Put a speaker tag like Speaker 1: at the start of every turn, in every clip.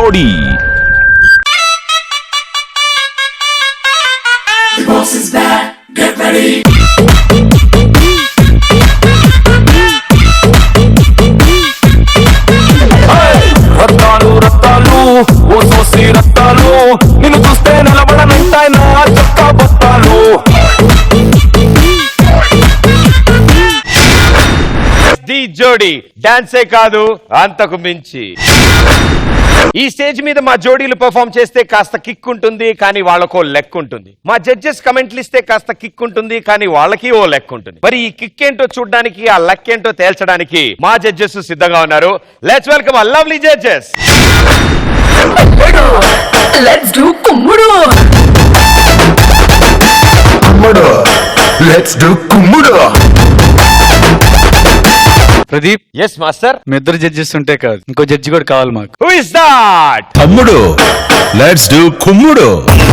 Speaker 1: జోడీ. రత్తాలు రత్తాలు ఓ సోసి రత్తాలు, నిన్ను చూస్తే నిలబడనంటాయి నా చొక్కా బత్తాలు.
Speaker 2: ది జోడీ డాన్సే కాదు అంతకు మించి. ఈ స్టేజ్ మీద మా జోడీలు పెర్ఫార్మ్ చేస్తే కాస్త కిక్ ఉంటుంది, కానీ వాళ్ళకో లెక్క ఉంటుంది. మా జడ్జెస్ కమెంట్లు ఇస్తే కాస్త కిక్ ఉంటుంది, కానీ వాళ్ళకి ఓ లెక్క ఉంటుంది. మరి ఈ కిక్ ఏంటో చూడడానికి, ఆ లెక్క ఏంటో తేల్చడానికి మా జడ్జెస్ సిద్ధంగా ఉన్నారు. Let's welcome the lovely judges.
Speaker 3: Let's do కుమ్ముడు.
Speaker 4: కుమ్ముడు. లెట్స్ డు కుమ్ముడు.
Speaker 5: Pradeep,
Speaker 2: yes master.
Speaker 5: మీ ఇద్దరు జడ్జెస్ ఉంటే కాదు, ఇంకో జడ్జి కూడా కావాలి మాకు.
Speaker 2: Who is that?
Speaker 4: తమ్ముడు. లెట్స్ డు కుమ్ముడు.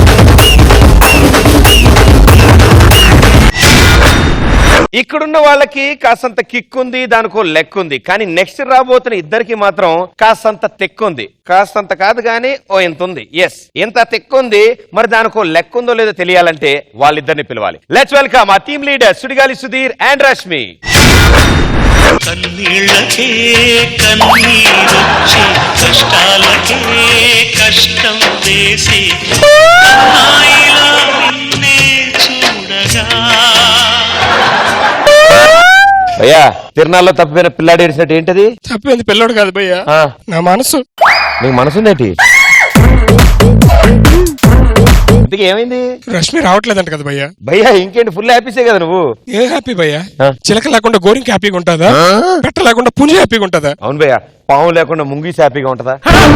Speaker 2: ఇక్కడున్న వాళ్ళకి కాసంత కిక్ ఉంది, దానికో లెక్క ఉంది. కానీ నెక్స్ట్ రాబోతున్న ఇద్దరికి మాత్రం కాసంత తెక్కుంది. కాసంత కాదు కానీ ఓ ఎంత ఉంది. ఎస్, ఎంత తెక్కుంది. మరి దానికో లెక్క ఉందో లేదో తెలియాలంటే వాళ్ళిద్దరిని పిలవాలి. Let's welcome the team leader Sudigali Sudheer and Rashmi.
Speaker 6: కన్నీళ్ళకే కన్నీరొచ్చి కష్టాలకే కష్టం వేసి హాయిలా నిన్నే చూడగా.
Speaker 2: భయ్యా, తిరునాళ్ళలో తప్పిపోయిన పిల్లాడు ఏడిసినట్టు ఏంటది?
Speaker 7: తప్పింది పిల్లోడు కాదు భయ్యా, నా మనసు.
Speaker 2: నీకు మనసుందేంటి? ఇంతకీ ఏమైంది?
Speaker 7: రష్మి రావట్లేదంట కదా భయ్యా.
Speaker 2: భయ్యా ఇంకేంటి, ఫుల్ హ్యాపీసే కదా నువ్వు?
Speaker 7: ఏ హ్యాపీ భయ్యా? చిలక లేకుండా గోరింక హ్యాపీగా ఉంటుందా? పెట్ట లేకుండా పుంజి హ్యాపీగా ఉంటుందా?
Speaker 2: అవును భయ్యా, పాము లేకుండా ముంగీస్ హ్యాపీగా ఉంటుందా?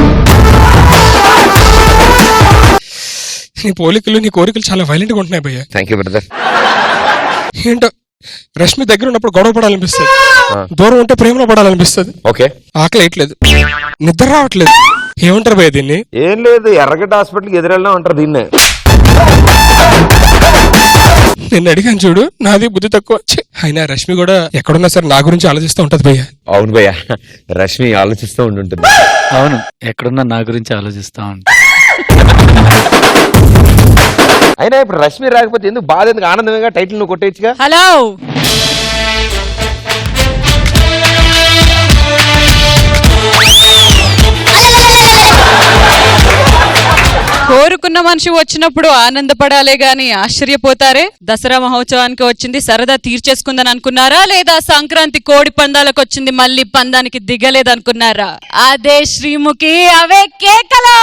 Speaker 7: నీ పోలికలు, నీ కోరికలు చాలా వైలెంట్ గా ఉంటున్నాయి భయ్యా.
Speaker 2: Thank you brother.
Speaker 7: ఏంటో రష్మి దగ్గర ఉన్నప్పుడు గొడవ పడాలనిపిస్తుంది, దూరం ఉంటే ప్రేమలో పడాలనిపిస్తుంది.
Speaker 2: ఓకే,
Speaker 7: ఆకలి వేయట్లేదు, నిద్ర రావట్లేదు. ఏమంటారు భయ్య దీన్ని?
Speaker 2: ఏం లేదు, ఎర్రగడ్డ హాస్పిటల్కి ఎదురెళ్ళినా ఉంటారు దీన్నే.
Speaker 7: నిన్ను అడిగాను చూడు, నాది బుద్ధి తక్కువ. అయినా రష్మి కూడా ఎక్కడున్నా సరే నా గురించి ఆలోచిస్తూ ఉంటది భయ్య.
Speaker 2: అవును భయ్య, రష్మి ఆలోచిస్తూ ఉంటుంది.
Speaker 5: అవును, ఎక్కడున్నా నా గురించి ఆలోచిస్తా ఉంటా.
Speaker 2: అయినా ఇప్పుడు రష్మి రాకపోతే ఎందుకు బాధ, ఎందుకు ఆనందంగా టైటిల్ నువ్వు కొట్టేయచ్చుగా.
Speaker 3: హలో, కోరుకున్న మనిషి వచ్చినప్పుడు ఆనందపడాలే గాని ఆశ్చర్యపోతారే. దసరా మహోత్సవానికి వచ్చింది సరదా తీర్చేసుకుందని అనుకున్నారా, లేదా సంక్రాంతి కోడి పందాలకు వచ్చింది మళ్ళీ పందానికి దిగలేదనుకున్నారా? అదే శ్రీముఖి, అవే కేకలు.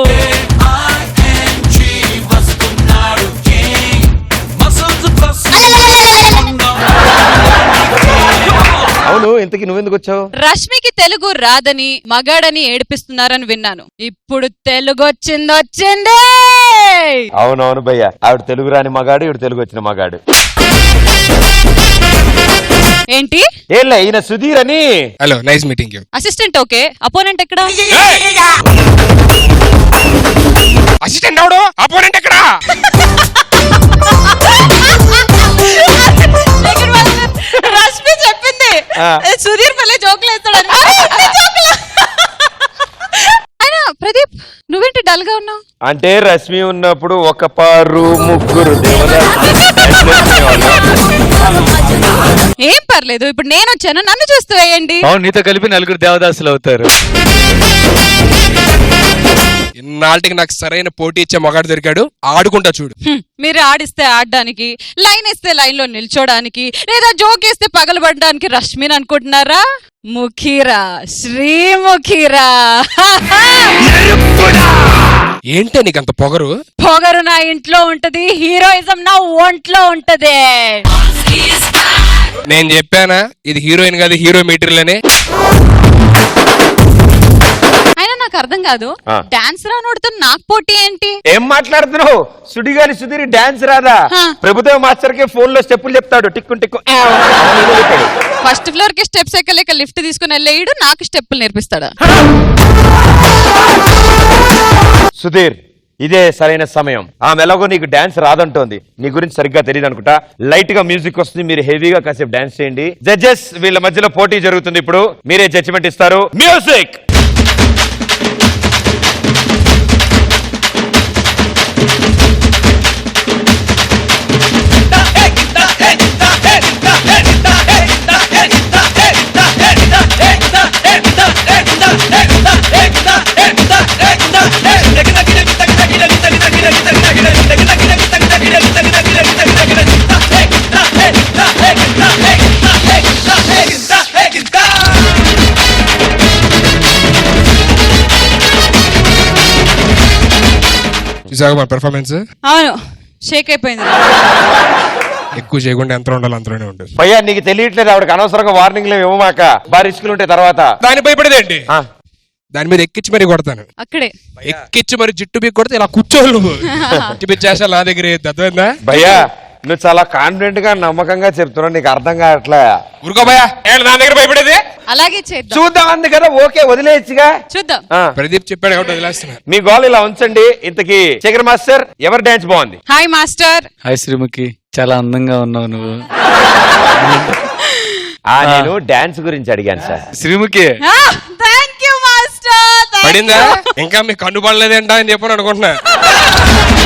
Speaker 2: అవును, ఇంతకీ నువ్వెందుకు వచ్చావు?
Speaker 3: రష్మికి తెలుగు రాదని మగాడని ఏడిపిస్తున్నారని విన్నాను. ఇప్పుడు తెలుగు వచ్చింది.
Speaker 2: అవునవును భయ్య, ఆవిడ తెలుగు రాని మగాడు, ఇవిడ తెలుగు వచ్చిన మగాడు.
Speaker 3: ఏంటి?
Speaker 2: ఏలే, ఈయన సుధీర్ అని.
Speaker 7: Hello, nice meeting you.
Speaker 3: Assistant okay, opponent ఎక్కడ?
Speaker 7: అసిస్టెంట్ ఎవడు? అపోనెంట్ ఎక్కడ?
Speaker 3: రష్మి చెప్పింది సుధీర్ పల్లె జోకులు వేస్తాడని. అయినా ప్రదీప్, నువ్వేంటి డల్ గా ఉన్నావు?
Speaker 2: అంటే రష్మి ఉన్నప్పుడు ఒక పారు ముగ్గురు
Speaker 3: ఏం పర్లేదు, ఇప్పుడు నేను వచ్చాను, నన్ను చూస్తూ వేయండి.
Speaker 5: అవును, నీతో కలిపి నలుగురు దేవదాసులు అవుతారు.
Speaker 7: ఇన్నాళ్ళకి నాకు సరైన పోటీ ఇచ్చే మగాడు దొరికాడు, ఆడుకుంటా చూడు.
Speaker 3: మీరు ఆడిస్తే ఆడడానికి, లైన్ ఇస్తే లైన్ లో నిల్చోడానికి, లేదా జోక్ వేస్తే పగలబడడానికి రష్మిని అనుకుంటున్నారా? ముఖీరా, శ్రీముఖీరా.
Speaker 7: ఏంటే నీకంత పొగరు?
Speaker 3: పొగరు నా ఇంట్లో ఉంటది, హీరోయిజం నా ఒంట్లో ఉంటది.
Speaker 7: నేను చెప్పానా ఇది హీరోయిన్ కాదు, హీరో మెటీరియల్.
Speaker 3: అయినా నాకు అర్థం కాదు, డాన్స్ రానోడితో నాకు పోటీ ఏంటి?
Speaker 2: ఏం మాట్లాడుతున్నావు? సుడిగాలి సుధీర్ డాన్స్ రాదా? ప్రభుత్వ మాస్టర్ కి ఫోన్ లో స్టెప్పులు చెప్తాడు, టిక్కు టిక్కు.
Speaker 3: ఫస్ట్ ఫ్లోర్ కి స్టెప్స్ ఎక్కలేక లిఫ్ట్ తీసుకుని వెళ్ళేయడు, నాకు స్టెప్పులు నేర్పిస్తాడా?
Speaker 2: సుధీర్, ఇదే సరైన సమయం. ఆమె ఎలాగో నీకు డాన్స్ రాదంటోంది, నీ గురించి సరిగ్గా తెలియదు అనుకుంటా. లైట్ గా మ్యూజిక్ వస్తుంది, మీరు హెవీగా కాసేపు డాన్స్ చేయండి. జడ్జెస్, వీళ్ళ మధ్యలో పోటీ జరుగుతుంది, ఇప్పుడు మీరే జడ్జిమెంట్ ఇస్తారు. మ్యూజిక్.
Speaker 7: చూసావా మన పెర్ఫార్మెన్స్?
Speaker 3: అవును, షేక్ అయిపోయింది.
Speaker 7: ఎక్కువ చేయకుండా ఎంత ఉండాలి అంతలోనే ఉంటుంది.
Speaker 2: భయ్యా నీకు తెలియట్లేదు, ఆవిడకి అనవసరంగా వార్నింగ్లు ఇవ్వమాక, బాగా రిస్కులు ఉంటాయి తర్వాత.
Speaker 7: దాని భయపడేదేంటి?
Speaker 2: ఆ,
Speaker 7: దాని మీద ఎక్కించి మరీ కొడతాను.
Speaker 3: అక్కడే
Speaker 7: ఎక్కించి మరి జిట్టు బీక్ కొడితే ఇలా కూర్చోవాలి నువ్వు. జిట్టు బీక్ చేసా నా దగ్గర అర్థమైందా?
Speaker 2: భయ్యా నువ్వు చాలా కాన్ఫిడెంట్ గా నమ్మకంగా చెప్తున్నావు, నీకు అర్థం కావట్లే.
Speaker 7: ఊరుకో భయ్యా, నా దగ్గర భయపడేది.
Speaker 3: అలాగే చేద్దాం.
Speaker 2: చూద్దాం అంది కదా, ఓకే వదిలేయచ్చుగా.
Speaker 3: చూద్దాం.
Speaker 2: ఆ,
Speaker 7: ప్రదీప్ చెప్పాడు కాబట్టి వదిలేస్తున్నా.
Speaker 2: మీ గోల్ ఇలా ఉంచండి. ఇంతకీ శేఖర్ మాస్టర్ ఎవరి డాన్స్ బాగుంది?
Speaker 3: Hi master.
Speaker 5: హాయ్ శ్రీముఖి, చాలా అందంగా ఉన్నావు నువ్వు.
Speaker 2: నేను డాన్స్ గురించి అడిగాను sir.
Speaker 5: Sreemukhi
Speaker 3: thank you master.
Speaker 7: పడిందా? ఇంకా మీకు కన్ను పడలేదేంటా అని చెప్పని అనుకుంటున్నా.